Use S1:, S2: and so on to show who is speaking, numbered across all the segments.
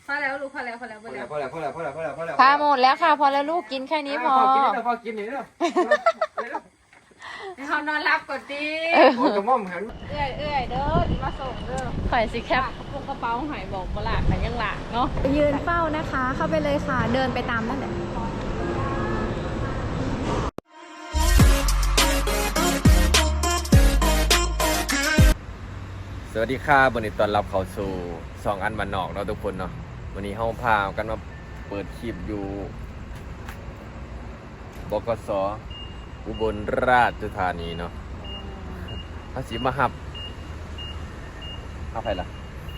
S1: พอแล้วลูกพอแล้วพอแล้วพอแล้ว
S2: พอแล้ว
S3: พาหมดแล้วค่ะพอแล้วลูกกินแค่นี้พอ
S2: พอกินนี่เนาะ
S1: ให้เขานอนรับก่อนดิ
S2: โอ้กระม่อมหัน
S1: เอื้อยเด้อมาส่งเด้อ
S3: ข่อยสิแคป
S1: พวกกระเป๋าหายบอกบ่หลากแต่ยังหลากเนาะ
S3: ยืนเฝ้านะคะ เข้าไปเลยค่ะ เดินไปตามนั่นแหละ
S2: สวัสดีครับวันนี้ตอนรับเข้าสู่2อันบ้านนอกเนาะทุกคนเนาะวันนี้เฮาพากันมาเปิดคลิปอยู่บกส.อุบลราชธานีเนาะเฮาสิมาหับเอาไปล่ะ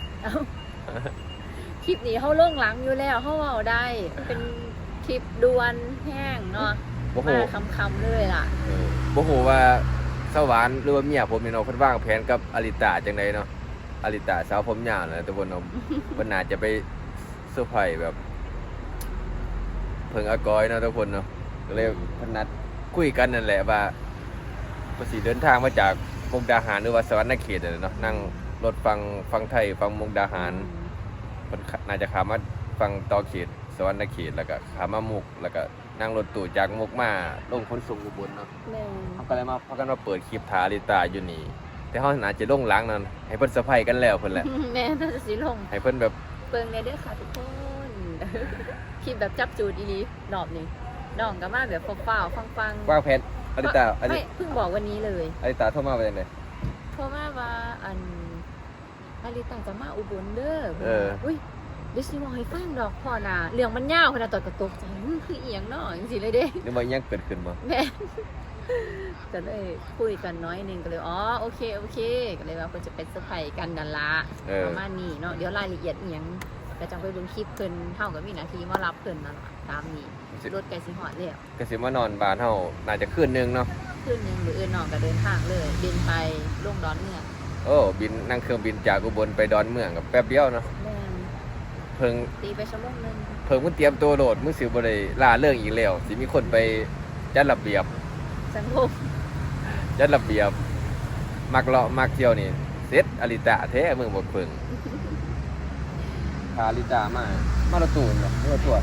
S3: คลิปนี้เขาเรื่องหลังอยู่แล้วเขาเอาได้ เป็นคลิปดวนแห้งเนาะ
S2: บ่ฮู้
S3: มาคำๆเลยล่ะ
S2: บ่ฮู้ว่าสวรรค์หรือว่าเมียผมนี่เนาะเพิ่นวางแผนกับอลิตาจังไดเนาะอลิตาสาวผมยาวนะทุกคนเนาะ เพิ่นน่าจะไปเซอร์ไพรส์แบบเพิ่งอากอยเนาะทุกคนเนาะก็เลยเพิ่นนัดคุยกันนั่นแหละว่าเพิ่นสิเดินทางมาจากมุกดาหารหรือว่าสวรรณเขตนั่นแหละเนาะนั่งรถฟังไทยฟังมุกดาหารเพิ่นน่าจะข้ามมาฟังต่อเขตสวรรณเขตแล้วก็ข้ามมามุกแล้วก็นั่งรถตู้จากมุกมาลงขนส่งอุบลเนาะ
S3: แม่
S2: เขาก็เลยมาพากันมาเปิดคลิปทาลิตาอยู่นี่แต่เขาน่าจะลงหล้างนั่นให้เพิ่นเซอร์ไพรส์กันแล้วเพิ่นแหละ
S3: แม่น่าจะสีลง
S2: ให้เพิ่นแบบ
S3: เปิงในเด้อค่ะทุกคน คลิปแบบจับจูดอีหลีดอบนี่น้องก็มาแบบเฝ้าๆฟังๆ
S2: วางแผนอลิตา
S3: ไม่เพิ่งบอกวันนี้เลย
S2: อลิตาโทรมาว่าจังได๋
S3: เพราะว่าอลิตาจะมาอุบลเด้อ อุ้ยเดี๋ยวสิบอกให้ฟังดอกพ่อน่ะเรื่องมันยาวขนาดตอนกระตกใจคือเอียงเนาะจังซี่เลยเด้
S2: หรือว่ายังเกิดขึ้นบ่
S3: แม่จะเลยคุยกันน้อยหนึงก็เลยอ๋อโอเคก็เลยว่าเพิ่นจะไปเซอร์ไพรส์กันนั่นละประมาณนี้เนาะเดี๋ยวรายละเอียดเอียงก็จังไปเบิ่งคลิปเพิ่นเฮาก็มีหน้าที่มารับเพิ่นนั่นล่ะตามนี้รถไกลสิฮอดแล้ว
S2: ก็สิมานอนบ้านเฮาน่าจะคืนนึงเนาะ
S3: คืนนึงหรืออื่นน้องก็เดินทางเลยบินไปลงดอนเมือง
S2: โอ้บินนั่งเครื่องบินจากอุบลไปดอนเมืองกับแป๊บเดียวเนาะ
S3: แม่น
S2: เพิ่ง
S3: ตีไปชั่วโมงนึง
S2: มึงเตรียมตัวโหลดมึงสิบ่ได้ล่าเรื่องอีกแล้วสิมีคนไปจัดระเบียบ
S3: สังคม
S2: จัดระเบียบมักเลาะมักเที่ยวนี่เสร็จอลิตาแท้มึงบ่เพิ่งพาอลิตามารถตู้เนาะรถทัวร์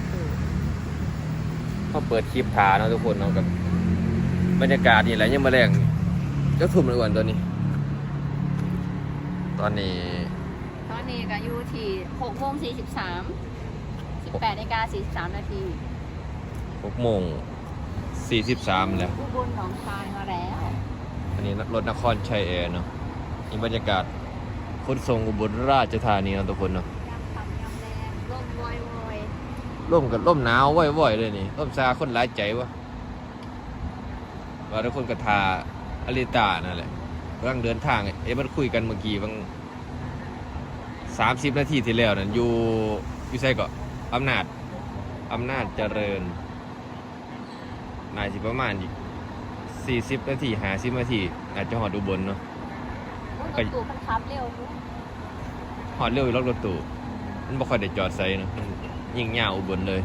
S2: เขาเปิดคลิปทาเนาะทุกคนเนาะกับบรรยากาศนี่แหละยังมาแรงเจ้าทุ่มเลยอ้วนตัวนี้ ตอนนี้
S3: ตอนนี้ก็อยู่ที่6:43 18:43 นาที
S2: 6:43แล้ว
S3: อุบลหนองคายมาแล้ว
S2: อันนี้รถนครชัยแอร์เนาะนี่บรรยากาศขนส่งอุบลราชธานีเนาะทุกคนเนาะ
S3: ยำคำยำแรงลมวอย
S2: ร่มกับร่มหนาวว่อยๆเลยนี่ร่มซาคนหลายใจวะว่าทุกคนก็ทาอลิตานั่นแหละกำลังเดินทางมันคุยกันเมื่อกี้บาง30 นาทีที่แล้วนั่นอยู่ไสก็อำนาจเจริญนายสิประมาณอีก40 นาที50 นาทีอาจจะหอดอุบลเนาะ
S3: รถตู้มันขับเร็วทุก
S2: หอดเร็วอยู่รถตู้มันบ่ค่อยได้จอดใส่เนาะมันยิ่งยาวอุบลเลย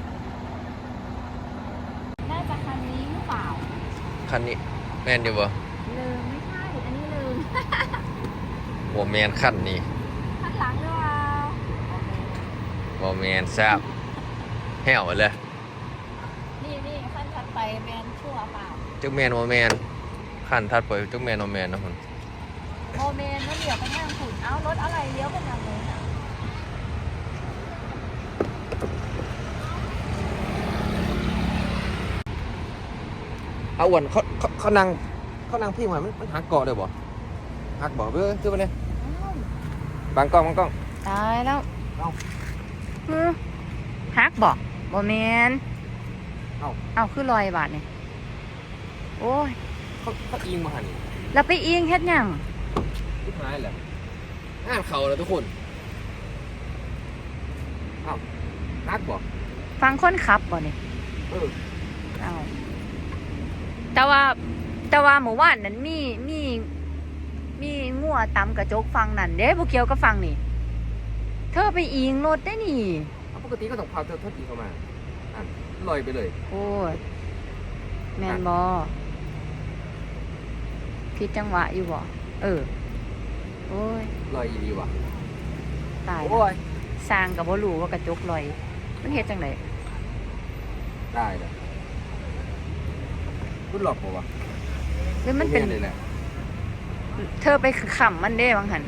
S3: น่าจะคันนี้หรือเปล่า
S2: คันนี้แม่นอยู่บ่
S3: ลืมไม่ใช่อันนี้ลืม
S2: บ่แม่นคันนี้
S3: ข้างหลังหรือเปล่า
S2: บ่แม่นแซ่บแห้วเลย
S3: นี่ขั้นถัดไปแมนชั่วเปล่า
S2: จักแม่นบ่แม่นคันถัดไปจักแม่นบ่แม่นเนาะพุ่น
S3: โมเมนต์แล้วเดี๋ยวไปทางขุนเอารถอะไรเลี้ยวเป็นยังไงนะ
S2: เอาอ้วนเขานั่งพี่หอยมันหักเกาะได้บ่หักบ่เบ้อซื้อมาเนี่ยบางกล้อง
S3: ตายแล้ว
S2: เอ้า
S3: ฮักบอกโมเมนต์
S2: เอ้า
S3: เอาคือลอยบาทเนี่ยโอ้ย
S2: เขาอิงมาหั่นนี่
S3: แล้วไปอิงเฮ็ดหยัง
S2: สุดท้ายแหละงานเขาแล้วทุกคนเอ้าหักบ่
S3: ฟังคนขับบ่เนี่ย
S2: เออ
S3: เอาแต่ว่าหมู่บ้านนั้นมีงัวตำกระจกฟังนั่นเด้บ่เกี่ยวกับฟังนี่ เธอไปอิงรถได้นี่
S2: เอาปกติก็ต้องพาเธอตีเข้ามาอ่ะลอยไปเลย
S3: โอ้ยแมนบอผิดจังหวะอยู่บ่โอ้ย
S2: ลอยอีดีว่ะ
S3: ตาย
S2: โอ้ย
S3: สสร้างกับบ่รู้ว่ากระจกลอยมันเฮ็ดจังได
S2: ได้เลยคุณหลอกปะวะ
S3: หรือมันเป็น
S2: เลยแหละ
S3: เธอไปขำมันเด้บางหัน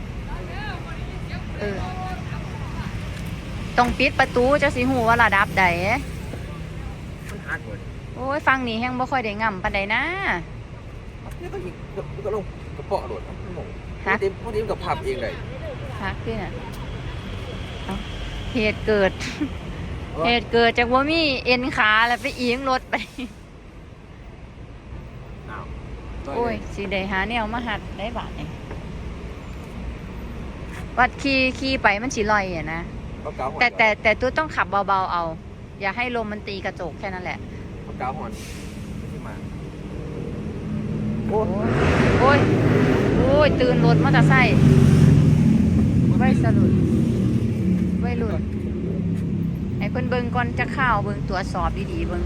S3: ต้องปิดประตูจะสิหูว่าระดับใด
S2: มันฮักเลย
S3: โอ้ยฟังนี่แฮงบ่ค่อยได้ง่ำปานใดนะ
S2: นี่ก็ยิงก็ลงกระเปาะโดดงง
S3: ฮัก
S2: พอดีมันกับพับเองเลย
S3: ฮักด้วยน่ะเอ้าเหตุเกิด เหตุเกิดจากว่ามีเอ็นขาแล้วไปอิงรถไป
S2: อ้าว
S3: โอ้ยสิได้หาแนวมาหัดได้บาดนี่วัดขี่ไปมันสิลอยอ่ะนะ
S2: เขาเกาหอน
S3: แต่ตัวต้องขับเบาๆเอา อย่าให้ลมมันตีกระจกแค่นั้นแหละ
S2: เขาเกาหอนที่มา
S3: โอ้ยโอ้ยตื่นรถมอเตอร์ไซค์ไว้สลุดไว้หลุดให้เพิ่นเบิ่งก่อนจะเข้าวเบิ่งตรวจสอบดีๆเบิ่ง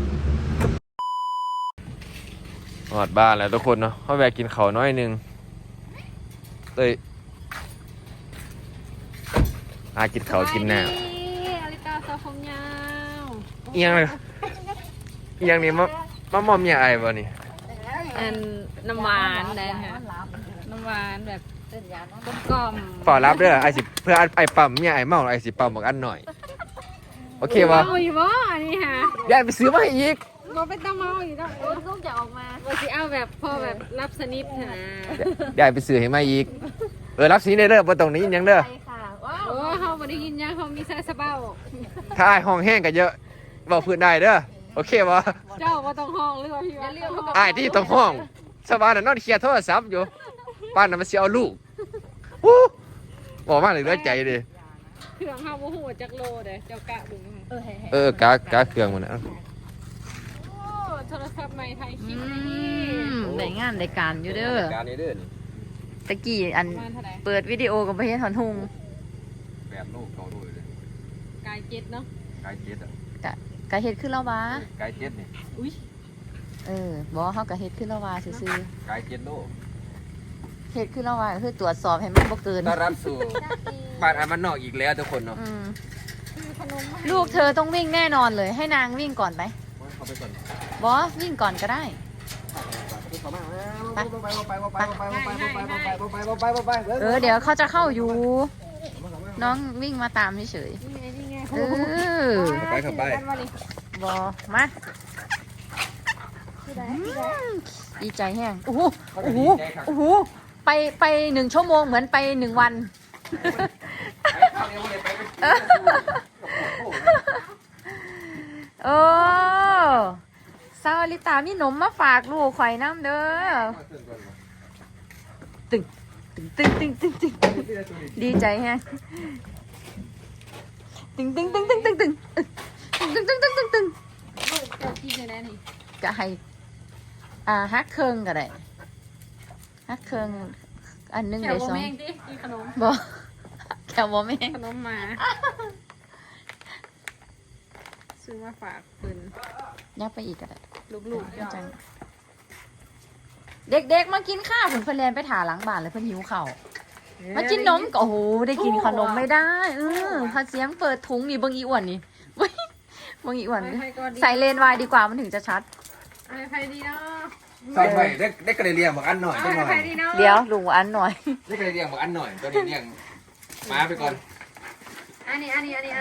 S2: หอดบ้านแล้วทุกคนเนาะเขาแวะกินข้าวน้อยนึงกินข้าวกินน้ำ
S1: อลิตาสาวผมยาว
S2: เอียงเลยเอียงนี่มามอมยาไอ้บ่นี่
S1: อันน้ำหวานได้ค่ะน้ำหวานแบบกลม
S2: ฝ่ารับเด้อไอ้สิเพื่อไอ้ปั๊มยาไอ้เมาไอ้สิปั๊มบอกอันหน่อยโอเคบ่
S1: เมาอยู่บ่อันนี้ค่ะ
S2: ยายไปซื้อมาให้อีก
S1: บ่เป็นตาเมาอยู่แล้วลูกจะออกมาบ่สิเอาแบบพอแบบรับสนิทนะ
S2: ยายไปซื้อให้มาอีกรับสีในเด้อบ่ต้องนี้ยังเด้อ
S1: โอ้เฮาบ่ได้ยินยังเฮามีสายสะเบ้า
S2: ถ้าไอ้ห้องแห้งก็เยอะบอกพื้นได้เด้อโอเคบ่
S1: เจ้าบ่ต้องห้องหรือว่าพี่ว่าเรื่อง
S2: ไอ้ที่ต้องห้องสบายน่ะนอนเคลียร์โทรศัพท์อยู่ป้านน่ะมันสิเอาลูกวู้บอกมาเลยเหลือใจดิ
S1: เครื่องเฮาบ่ฮู้จักโลเด้เจ้ากะเบิ่ง
S2: กาเครื่องมันนะ
S1: โอ้โทรศัพท์ใหม่ไทยคลิปนี่
S3: ได้งานได้การอยู่เด้อ
S2: การนี้เด้อนี่
S3: ตะกี้อัน
S1: ประมาณเท่าไหร่
S3: เปิดวิดีโอกับไปเฮ็ดถอนหุง
S2: แบบลูกเก่าด้วยเลย
S1: กายเจ็ดเนาะ
S2: กายเจ็ดอ่ะ
S3: กะเฮ็ดขึ้นแล้ววะ
S2: กายเจ็ดนี่
S1: อุ้ย
S3: บ่เฮาก็เฮ็ดขึ้นแล้ววะซื่อก
S2: ายเจ็ดโล
S3: ๆเฮ็ดขึ้นแล้ววะก็คือตรวจสอบให้มันบ่เกิน
S2: ต้อนรับสู่บ้านอันมันนอกอีกแล้วทุกคนเนาะ
S3: อืม
S1: คือขนม
S3: ลูกเธอต้องวิ่งแน่นอนเลย ให้นางวิ่งก่อนไหม
S2: เข้าไปก่อน
S3: บอวิ่งก่อนก็ได้ เดี๋ยวเขาจะเข้าอยู่ น้องวิ่งมาตามเฉย
S1: นี่ไง
S3: ๆ
S2: เข้าไป
S3: บอมาดีใจแห้งโอ้โหโอ้โหโอ้โหไป1 ชั่วโมงเหมือนไป1 วัน โอ้ซาวลิตามีหนมมาฝากลูกข่อยน้ำเด้อตึงตึงตึงตึงตึงตึงดีใจแฮะตึงตึงตึงตึงตึงตึงตึงตึงตึงตึงตึง
S1: ลูกเจ้ากินได้แล้วนี่
S3: จะให้ฮักเคิงก็ได้ฮักเคิงอันหนึง
S1: แถ
S3: ได้
S1: ว
S3: สอง
S1: แม่งดิกินขนม
S3: บอแถวบอแม่ง
S1: ขนมมาซื้อมาฝากเพิ่น
S3: ยับไปอีกก็ได้
S1: ลูกๆเจ้า
S3: จังเด็กๆมากินข้าวผุนเพื่อนเรียนไปถาหลังบ้านเลยเพื่อนหิวข้าวมากินนมก็โอ้โหได้กินขนมไม่ได้ถ้าเสียงเปิดถุงนี่เบิ่งอีอ้วนนี่เว้ยเบิ่งอีอ้วนใส่เลนส์วายดีกว่ามันถึงจะชัด
S1: อะไรใครดีเนาะ
S2: ใส่ไปได้กระเรียงบอกอันหน่อย
S1: อะ
S2: ตัวหน่อ
S1: ไร
S2: ย
S1: ดีเนาะ
S3: เดี๋ยวลุงอันหน่อย
S2: ได้กระเรียงบอกอันหน่อยตัวนี้เรียงมาไปก่อน
S1: อันนี้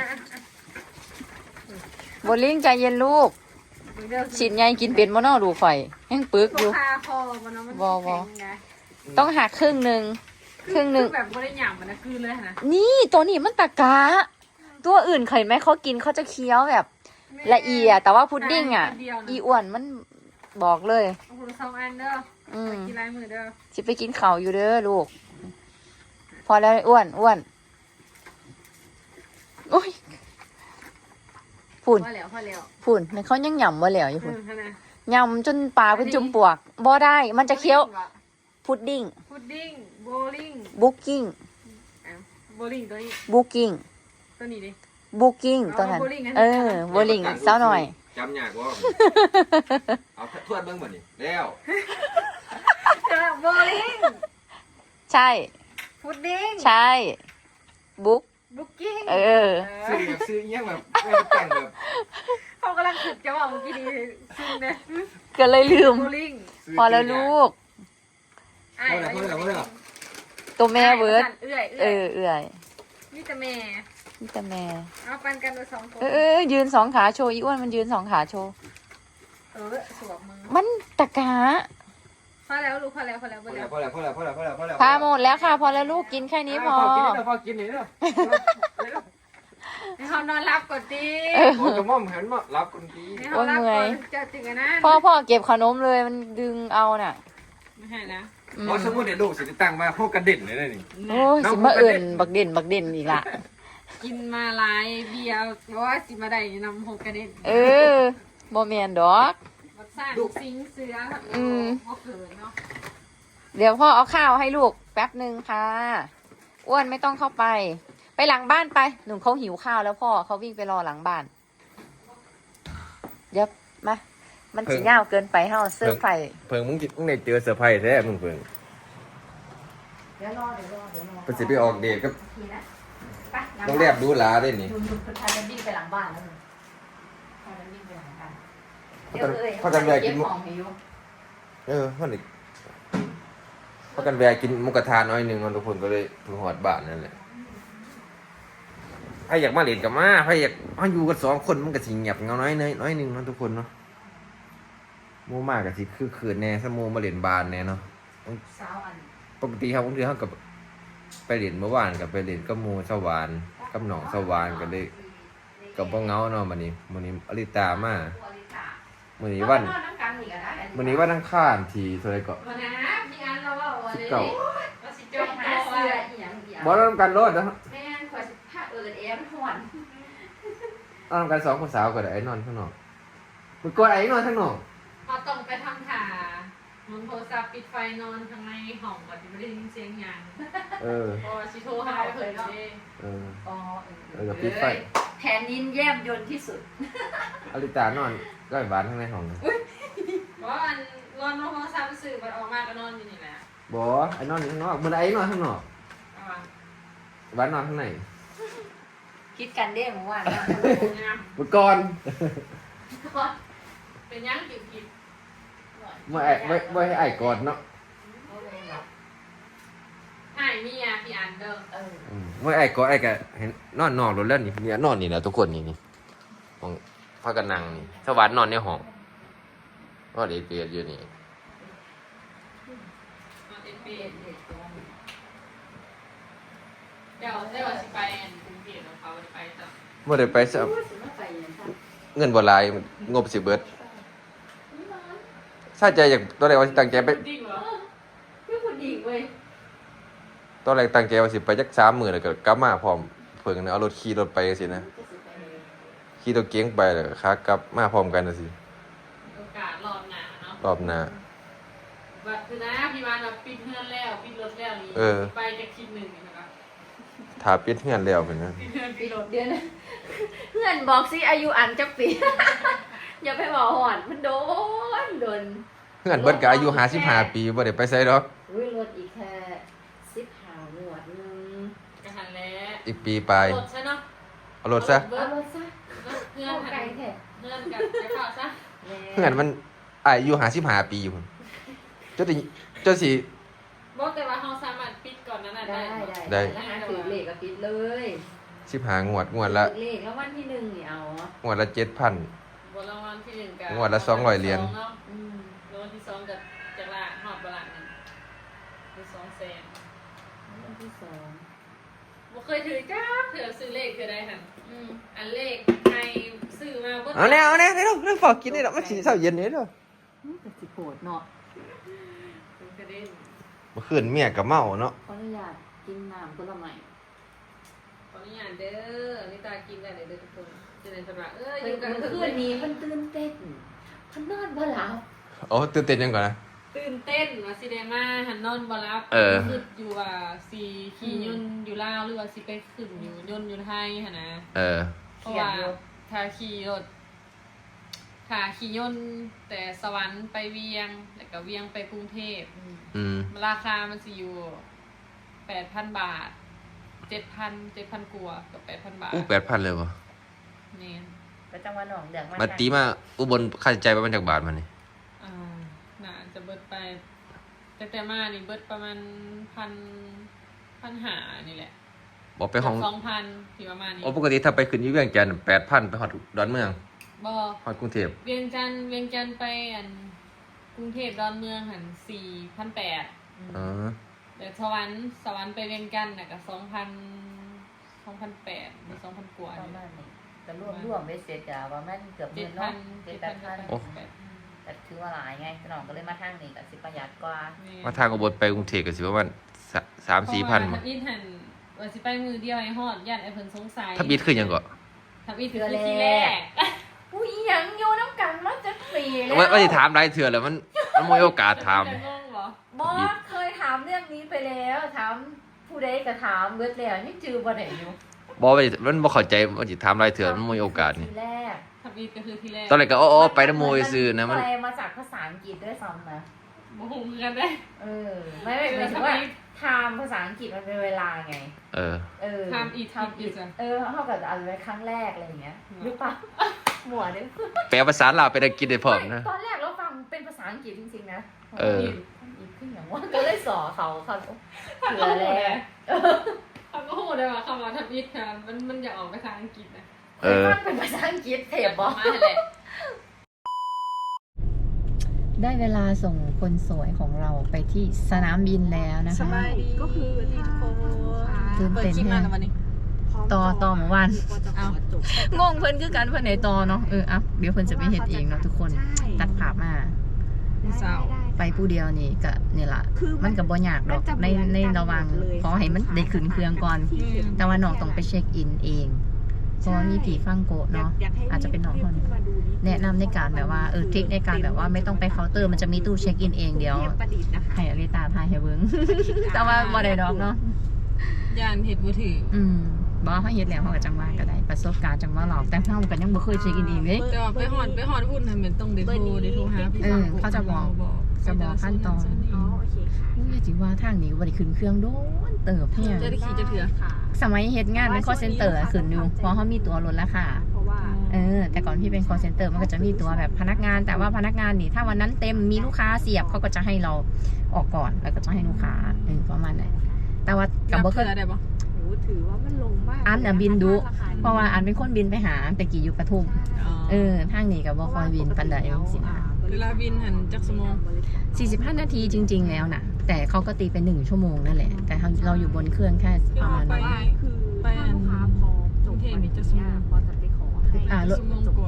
S3: โบลิ่งใจเย็นลูกฉีดไงกินเป็นมอนอดูไฟยังปึกอยู่
S1: คาคอมันเนาะมัน
S3: วอ ต้องหักครึ่งหนึ่ง
S1: แบบไม่ได้หยำมันนะคือเลยนะ
S3: นี่ตัวนี้มันตะกา ตัวอื่นเคยไหมเขากินเขาจะเคี้ยวแบบละเอียดแต่ว่าพุดดิ้งอ่ะ อีอ้วนมันบอกเลย
S1: โอ้โห2 อันเด้อกินลายมือเด้อ
S3: สิไปกินข้าวอยู่เด้อลูก พอแล้วอ้วนโอ้ยฝุ่น
S1: พอแล้ว
S3: ฝุ่นในเขายังหย่ำว่าแล้วอยู่ฝุ่น
S1: ขนาด
S3: หย่ำจนปากเป็นจุ่มปวกบ่ได้ มันจะเคี้ยวพุดดิ้ง
S1: พุดดิ้งโบลิ่ง
S3: บุกกิ้ง
S1: โบลิ่งตัวนี้
S3: บุกกิ้ง
S1: ตัวนี้ดิ
S3: บุกกิ้งตัวนั้น
S1: อ๋อ bowling อันนี้
S3: โบลิ่งเศร้าหน่อย
S2: จำยากว่าเอาทวดเบิ้งบ่นี่แล้ว
S1: โบลิ่ง
S3: ใช่
S1: พุดดิ้ง
S3: ใช่ บุ๊ก
S1: บุ๊กกิ้ง
S3: เออ
S2: ซื้อเงี้ยแบบไม่แต่งแบบ
S1: เขากำลังถึกจะบอกเมื่อกี้นี้ซึ่งเนี่ย
S3: ก็เลยลืม
S1: โบลิ่ง
S3: พอแล้วลูก
S1: อ้าย
S2: พอแล้ว
S3: ตัวแม่เบิร์ด
S1: เอื้อย
S3: เออเอื่อย
S1: นี่แต่แม่
S3: นี่แต่แม่
S1: เอาปันกันไป2 คน
S3: ยืนสองขาโชว์อีอ้วนมันยืนสองขาโชว์
S1: สวมมือ
S3: มันตะกา
S1: พอแล้วลูกพอแล้วพอแล้วพอแล้ว
S2: พอแล้ว
S3: พาหมดแล้วค่ะ พอแล้วลูกกินแค่นี้พอ
S2: พอกินนี่เนาะ
S1: ให้เขานอนรับก่อนดี
S2: โอ้กระม่อมหันมารับคนดี
S1: ให้เขารับก่อนเจะจริงอะนะ
S3: พ่อเก็บขนมเลยมันดึงเอาน่ะ
S1: ไม่ให้นะ
S2: เพราะสมมติเดี๋ยวลูกสิตั้งมาพวกกระเด็นเลยนี่
S3: โอ้ยสิมาเอิ่นบักเด่นอีกละ
S1: กินมาหลายเบียร์เพราะว่าสิมาได้นำโฮกระเด็น
S3: บ่แม่นดอก
S1: บักซ่านสิงเสือพ่อเขินเนาะ
S3: เดี๋ยวพ่อเอาข้าวให้ลูกแป๊บหนึ่งค่ะ อ้วนไม่ต้องเข้าไป ไปหลังบ้านไปหนุ่มเขาหิวข้าวแล้วพ่อเขาวิ่งไปรอหลังบ้านเดี๋ยวมา มันสีเงาเกินไปเฮาเสื้อไฟ
S2: เพิ่งมึงได้เจอเซอร์ไพรส์แท้มึงเพิ่ง
S3: เดี๋ยวรอ
S2: ไปสิไปออกเดทกับ
S3: ทีนะไป
S2: ต้องแลบดูหลาได้นี่
S3: ดูพากันวิ่งไปหลังบ้านแล้วพากันวิ่งไปหลังบ้าน
S2: พากันแวะกิน
S3: ของให้อยู่
S2: มันอีกพากันแวะกินหมูกระทะน้อยหนึงทุกคนก็เลยถึงหอดบ้านนั่นแหละใครอยากมาเล่นกับมาใครอยากมาอยู่กัน2 คนมันก็สิเงียบเงาน้อยหนึงเนาะทุกคนเนาะหมู่มากก็สิคือคืนแน่ซะหมู่มาเล่นบ้านแน่เนาะ
S3: สาวอัน
S2: ปกติครับบางทีเขากับไปเล่นเมื่อวานกับไปเล่นกับหมู่สวรรค์กับหนองสวรรค์กันเลยกับบ่เหงาเนาะมื้อนี้อลิตามามื้อนี้วันอังคารที่เท่าไหร่ก็
S1: วันนะพี่อันเราว่าวันนี้
S2: 19
S1: เราสิจอง
S3: หา
S1: ตัว
S3: เสื้ออีหยังเดียว
S2: บ่นำกันโลดนะ
S3: แม่นขอสิพาเอ็มห่อน
S2: นอนกัน2 คนสาวก็ได้ไอ้นอนข้างนอกมึงกดไอ้นอนข้างนอก
S1: เราต้องไปทำถ่าหมุนโทรศัพท์ปิดไฟนอนข้างในห้องก่อนที่ไม่ได้ยินเสียงหยัง
S2: เออ
S1: พอชิโทรหาเพิ่นเด้
S2: เออ
S3: อ๋อ
S2: ก็ปิดไฟ
S3: แผนนินแย้มยนที่สุด
S2: อลิตานอนก็ไอ้บ้านข้างในห้องนะ
S1: เพราะอันรอนโทรศัพท์สื่อมันออกมาก็นอนอยู่นี่แหละ
S2: บ่ไอ้นอนอยู่ข้างนอกมื้อไอ้นอนข้างนอก
S1: เอาว่ะ
S2: บ้านนอนข้างใน
S3: คิดกันเด้เมื่อวานนะ
S1: งาม
S2: มื้อก่อน
S1: เป็นยังกิบกิบ
S2: บ่ให้ไอ้กอดเนาะ
S1: หายมีอ่ะพี่อันเด้อ
S2: มื่อไอ้ก็ไอ้ก็เห็นนอนนอกรถแล้วนี่เนี่ยนอนนี่แหละทุกคนนี่ของพากันนั่งนี่สวัสดนอนในห้องนอนเอเปียอยู่นี่
S1: เดี๋ยวสิไปกรุงเทพของเขาไปจ้ะ
S2: เมื่อได้ไปสักเงินบ่หลายงบสิเบิดถ้าใจอยากตอนแรกว่าสิตั้งใจไป
S1: จริงเหรอ
S3: พี่คุณดีเว้ย
S2: ตอนแรกตั้งใจว่าสิไปจัก3 มื้อแล้วก็กลับมาพร้อมเพิ่งเอาขี่รถไปจังซี่นะขี่รถเก๋งไปแล้วก็ขากลับมาพร้อมกันจังซี่
S1: โอกาสรอบหน้าเนาะ
S2: รอบหน้า
S1: บัดคือนะพี่วานแบบปิดเฮือนแล้วปิดรถแล้วนี่ไปจะคิดหนึ่งนะครับ
S2: ถ้าปิดเฮือนแล้วเพิ่นนะ
S1: ปิดเฮือนปิดรถ
S3: เดี๋ยวนะเพื่อนบอกสิอายุอันจักปี อย่าไปบอกหอนมันโดน
S2: เฮือนเบิดก็อายุ55 ปีบ่ได้ไปไสดอก
S3: อุ้ยรถอีกแค่15หนวดนึง
S1: กระหันแล้ว
S2: อีกปีปลาย
S1: รถใช่เนาะ
S2: เอารถซะ
S3: เอารถซะ
S1: เพื่อน
S3: ไกลแท้
S1: เพื่อนกับไปข่าวซะ
S2: เฮือนมันอายุ55 ปีอยู่พุ่นจนสิ
S1: บอกแต่ว่าเขาสามารถปิดก่อนนั้นน่ะ
S3: ได้
S1: ได้
S3: แล้วหาถือเลขก็ปิดเลย
S2: 15 งวดละ
S3: ถือเลขแล้ววันที่1นี่เอา
S2: งวดละ 7,000
S1: บนรางวัลที่หนึ่งกับ
S2: งวดละ200เหรียญ
S1: เนาะ
S3: อืม
S1: รางวัลที่สองกับจากละหอดบลังนึงคือ200,000
S3: วันที่2
S1: บ่เคยถือจ้าเถื่อซื้อเลขคือได้ค่ะอันเลขใครซื้อมาบ่
S2: เอาแน่เร็วฝากกินได้ดอกมันสิเช้าเย็นนี่เด้อ
S3: แต่สิโหดเนาะ
S1: เป็นกระเด็น
S2: เมื่อคืนเมียก็เมาเนาะ
S3: ขออนุญาตกินน้ำผลไม้
S1: ขออนุญาตเด้อนี่ตากินได้เลยเด้อทุกคนจะได้สบายอ
S3: เพิ่
S1: ยู่
S3: น
S1: กัน
S3: เมื่อคืนนี้เพิ่นตื่นเต้นเพิ่นนอนบ่หลับ
S2: โอ้ตื่นเต้นยังก่อนนะ
S1: ตื่นเต้นว่าสิได้มาหันนอนบ่รับ คืออยู่ว่าสิขี่ยนต์อยู่ลาวหรือว่าสิไปขึ้นอยู่ยนต์อยู่ไทยหั่นนะ เพราะว่าถ้าขี่รถถ้าขี่ยนต์แต่สวรรค์ไปเวียงแล้วก็เวียงไปกรุงเทพราคามันสิอยู่ 8,000 บาท 7,000กว่ากับ 8,000 บาท
S2: 8,000เลยบ่
S1: นี่
S3: ก็จังหวัดหนองเดือง
S2: มาตีมาอุบลค่าใช้จ่ายประมาณจักบาทมันนี่
S1: น่าจะเบิดไปแต่มานี่เบิดประมาณ1,500นี่แหละ
S2: บ่ไปห้อง
S1: 2,000ที่ประมาณนี้
S2: ปกติถ้าไปขึ้นอยู่เวียงจันทน์ 8,000 ไปฮอดดอนเมือง
S1: บ่
S2: ฮอดกรุงเทพ
S1: เวียงจันทน์ไปกรุงเทพดอนเมืองหัน4,800
S2: อ๋อ
S1: แต่สวรรค์ไปเวียงจันทน์น่ะก็2,800หรือ2,000กว่า
S3: ประ
S1: นี่
S3: มาณนี้ก็รวมเบ็ดเสร็จอะว่ามันเกือบหมื่นเนาะ 7,000-8,000
S2: โอ้
S3: แต่ถือว่าหลายไงสนองก็เลยมาทางนี้ก็สิประหยัดกว่า
S2: มาทางอุบลไปกรุงเทพก็สิประมาณ 3-4,000
S1: บ่
S2: บ่
S1: ทับอิฐหันว่าสิไปมือเดียวให้ฮอดญาติไอ้เพิ่นสงสัย
S2: ถ้าบิดขึ้นหยังก็
S1: ทับอิฐคือที่แรก
S3: อุ้ยยังอยู่น้ำกันมาจะปีแล้ว
S2: ว่าสิถามหลายเทื่อแล้วมันบ่มีโอกาสถาม
S1: จะงงบ่
S3: บอสเคยถามเรื่องนี้ไปแล้วถามผู้ใดก็ถามเบิดแล้วนี่จือบ่ได้อยู่
S2: บ่ว่ามันบ่เข้าใจว่าสิถามหลายเทื่อมันบ่มีโอกาสนี่
S3: ทีแรก
S1: ทับอิฐก็คือที่แรก
S2: ตอนแรกก็อ๋อไปนำหมู่ซื่อๆนะมัน
S3: แปลมาจากภาษาอังกฤษด้วยซ้ำนะ
S1: บ่ฮู้คือกันได้
S3: ไม่หมายถึงว่าไทม์ภาษาอังกฤษมันเป็นเวลาไง
S1: Time it
S3: เท่ากับอาจจะเป็นครั้งแรกอะไรอย่างเงี้ยหรือเปล่าหมวดเนี่ย
S2: แปลภาษาลาวเป็นอังกฤษได้พร้อมนะ
S3: ตอนแรกเราฟังเป็นภาษาอังกฤษจริงๆนะ อีกขึ้นอย่างว่าก็เลยสอเขาเผื่อแล้ว
S1: เขาก็ฮู้ได้ว่าคำว่าทับอิฐค่ะมันอยากออกไปทางอังกฤษนะ
S3: ฟังเป็นภาษาอังกฤษเทปบอ
S1: มาแหละ
S3: ได้เวลาส่งคนสวยของเราไปที่สนามบินแล้วนะคะ
S1: สบายดีก็คือที่โค
S3: ตื่นเต้น
S1: คลิปมากันวันนี้
S3: ต่อเมื่อวาน
S1: เอา
S3: งงเพิ่นคือกันเพิ่นไหนต่อเนาะเดี๋ยวเพิ่นจะไปเฮ็ดเองเนาะทุกคนตัดภาพมา
S1: สาว
S3: ไปผู้เดียวนี่ก็นี่ล่ะมันก็บ่ยากดอกในระหว่างขอให้มันได้ขึ้นเครื่องก่อน แต่ว่าน้องต้องไปเช็คอินเองเพราะว่ามีผีฟังโกะเนาะอาจจะเป็นน้องคนแนะนำในการแบบว่าทริคในการแบบว่าไม่ต้องไปเคาน์เตอร์มันจะมีตู้เช็คอินเองเดียวให้อลิตาทายให้เบิ่ง แต่ว่าบ่ได้ดอกเนาะ
S1: ยานเห็ดมือถือ
S3: บ่เฮาเฮ็ดแล้วเฮาก็จังว่าก็ได้ประสบการณ์จังว่าหรอกแต่เฮาก็ยังบ่เคยเช็คอินเองเด้
S1: แต่ว่าไปหอนอุ่นน่ะมันต้องได้โทรหาพี่
S3: เขาจะบอกขั้นตอนนี่จริงว่าทางนี้ก็บ่ได้ขึ้นเครื่องโดนเติบแฮง
S1: จะได้ขี่จะเถื่อ
S3: สมัยเฮ็ดงานเป็น call center อะขึ้นอยู่เพราะเฮามีตัวลดราคา
S4: เพราะว่า
S3: แต่ก่อนพี่เป็น call center มันก็จะมีตัวแบบพนักงาน แต่ว่าพนักงานนี่ถ้าวันนั้นเต็มมีลูกค้าเสียบเขาก็จะให้เราออกก่อนแล้วก็จะให้ลูกค้าประมาณนั้นแต่ว่ากับบ่เคย
S1: ได้ปะ
S4: โหถือว่ามันลงมาก
S3: อันน่ะบินดุเพราะว่าอันเป็นคนบินไปหาแต่กี่อยู่ปทุมทางนี้ก็บ่ค่อยบินปานใดสินะ
S1: เวลาบินหันจักสมอง
S3: 45 นาทีจริง ๆ แล้วนะแต่เขาก็ตีเป็น1 ชั่วโมงนั่นแหละแต่เราอยู่บนเครื่องแค่ประมาณนั้น
S4: คือลูกค้าพอจบพอจะไปขอให้จบ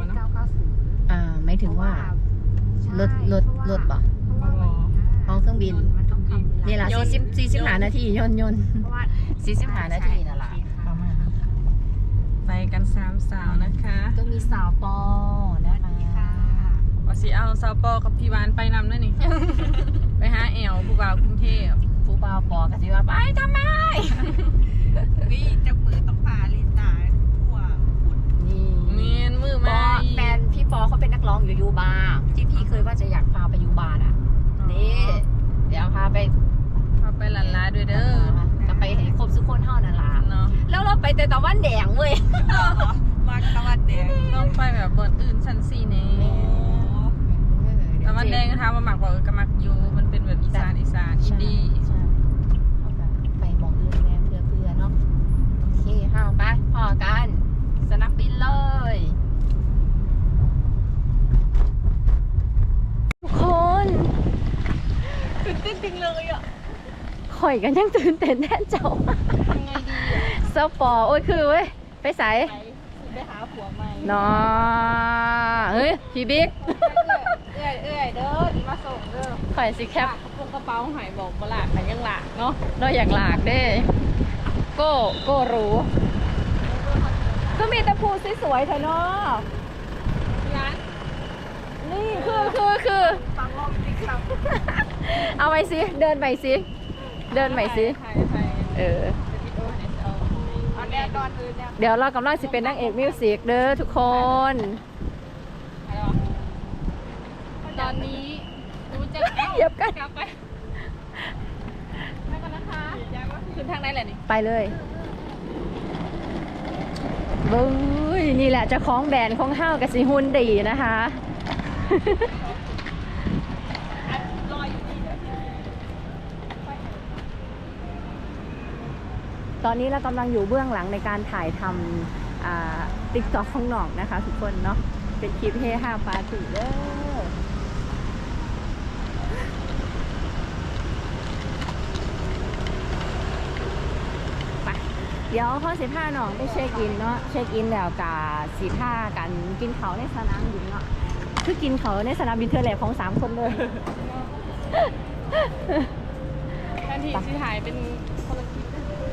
S4: 990
S3: ไม่ถึงว่ารถบ่ห้องเครื่องบินนี่ล่ะ45 นาทีย่น45 นาทีนั่นล่ะประมาณ
S1: ไปกัน3 สาวนะคะ
S3: ก็มีสาวปอนะคะ
S1: ว่าสิเอาสาวปอกับพี่วานไปนำด้วยนี่ ไปหาแอวผู้บ่าวกรุงเทพ
S3: ผู้บ่าวปอก็สิว่าไปทำไม
S4: วิจับมือต้องพาลิตาทั่วบุญ
S3: นี่
S1: เมียนมือ
S3: ป
S1: มา
S3: อแฟนพี่ปอเขาเป็นนักร้องอยู่ยูบาร์ที่พี่เคยว่าจะอยากพาไปยูบาร์อ่ะนี่เดี๋ยวพาไป
S1: เอาไปหลันลาด้วยเด้อ
S3: ก็ไปให้ครบทุกคนเท่านั้นล่ะ
S1: เนาะ
S3: แล้วเราไปแต่ตะวันแดงเว้ย
S4: มาตะวันแดง
S1: ต้องไปแบบบนอื่นชั้น4แน่แต่มันแดงก็ถามว่าหมักบอกก็มักอยู่มันเป็นแบบอีสานอินดี้
S3: ใช่เอากันไปมองอื่นแม่เพื่อเนาะโอเคห้าวไปพอกันสนามบินเลยทุกคน
S1: ตื่นเต้นจริงเลยอ่ะ
S3: ข่อยกันยังตื่นเต้นแน่เจ้า
S1: ยังไงดีอ่ะ
S3: เซาปอโอ้ยคือเว้ยไปใส่
S1: ไปหาผัวใหม่
S3: เนาะเฮ้ยพี่บิ๊ก
S1: เอื้อยเด้อดีมาส่งเด้อ
S3: ข่อยสิแคป
S1: กระเป๋าหายบอกบ่หลากแต่ยังหลากเนาะ
S3: เราอยากหลากเด้โก้รู้ก็มีแต่ภูสวยๆเถอะเนาะ
S1: ร้าน
S3: นี่คือ
S4: ฟังรอบติ๊กต็อก
S3: เอาไปสิเดินไปสิเดินไปสิ
S1: ใคร
S4: อันแรกตอนอื่นเนี่ย
S3: เดี๋ยวเรากำลังสิเป็นนางเอกมิวสิกเด้อทุกคน
S1: ตอนนี้รู้จัก
S3: เหยียบกัน
S1: กลับไปกันนะคะขึ้นทางไหนแหละนี่
S3: ไปเลยบึ้ยนี่แหละเจะคล้าของแบรนด์ของเฮากับสิหุ่นดีนะคะ ตอนนี้เรากำลังอยู่เบื้องหลังในการถ่ายทำติ๊กต็อกของน้องนะคะทุกคนเนาะเป็นคลิปเฮฮาปาร์ตี้เด้อไปเดี๋ยวข้อ15น้องไปเช็คอินเนาะเช็คอินแล้วกับ15กันกินเขาในสนามบินเนาะคือกินเขาในสนามบินเธอแหลกของ3คนเลย
S1: แทนที่สิถ่ายเป็นคนละคลิป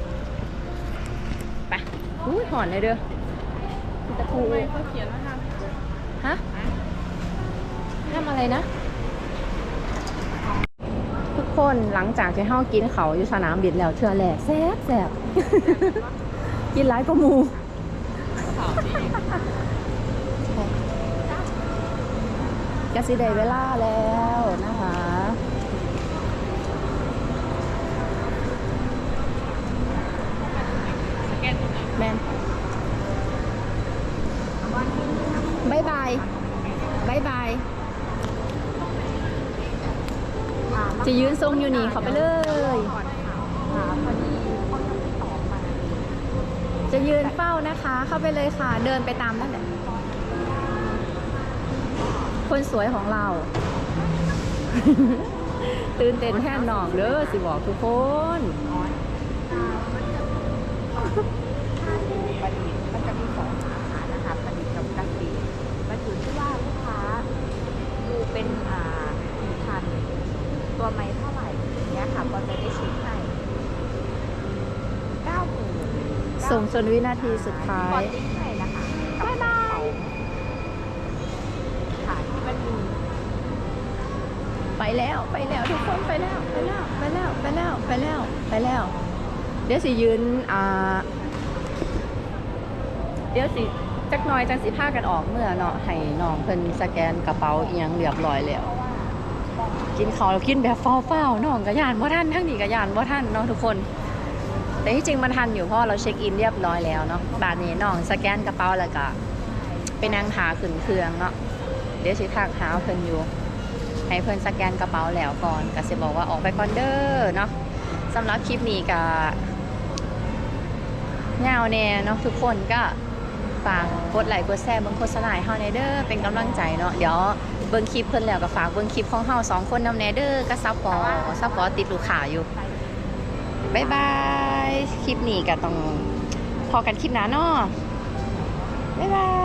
S3: ไปอุ้ยหอนเลยเด้อตะปู
S1: ไม่เขาเขียนว่าท
S3: ฮะทำอะไรนะ ทุกคนหลังจากที่เฮากินเขาอยู่สนามบินแล้วเทื่อแหลกแซ่บแซ่บ กินหลายก็มู
S1: ำข่าวดี
S3: กสิได้เวลาแล้วนะคะ
S1: สแกนตรงไหน
S3: แมนบายบายบายบายจะยืนทรงอยู่นี่เขาไปเลย จะยืนเฝ้านะคะ เข้าไปเลยค่ะ เดินไปตามนั่นแหละคนสวยของเรา ตื่นเต้นแทนน้องเด้อสิบอกทุกคน
S4: มันจะมี2สาขานะคะประดิษฐ์กับกสิมันอยู่ที่ว่าลูกค้าดูเป็นกี่พันตัวไม้เท่าไหร่อย่างเงี้ยค่ะก็จะได้ชิปให้90,000
S3: ส่งจนวินาทีสุดท้า
S4: บอย ลติ๊กให้นะคะบ๊ายบายค่ะที่มันมี
S3: ไปแล้วไปแล้วทุกคนไปแล้วไปแล้วไปแล้วไปแล้วไปแล้วไปแล้วเดี๋ยวสิยืนเดี๋ยวสิจักหน่อยจังสิพากันออกเมื่อเนาะให้น้องเพิ่นสแกนกระเป๋าเอียงเรียบร้อยแล้วกินข้าวกินแบบเฝ้าๆน้องก็ย่านบ่ทันทั้งนี้ก็ย่านบ่ทันเนาะทุกคนแต่ที่จริงมันทันอยู่เพราะเราเช็คอินเรียบร้อยแล้วเนาะบาดนี้น้องสแกนกระเป๋าแล้วก็ไปนั่งหาขึ้นเครื่องเนาะเดี๋ยวสิทักหาเพิ่นอยู่ให้เพิ่นสแกนกระเป๋าแล้วก่อนก็สิบอกว่าออกไปก่อนเด้อเนาะสำหรับคลิปนี้ก็ยาวแน่เนาะทุกคนก็ฝากกดไลค์กดแชร์เบิ่งโฆษณาให้เฮาแน่เด้อเป็นกำลังใจเนาะเดี๋ยวเบิ่งคลิปเพิ่นแล้วก็ฝากเบิ่งคลิปของเฮา2คนนำแน่เด้อก็ซัพพอร์ตติดลูกค้าอยู่บ๊ายบายคลิปนี้ก็ต้องพอกันคลิปหน้าเนาะบ๊ายบาย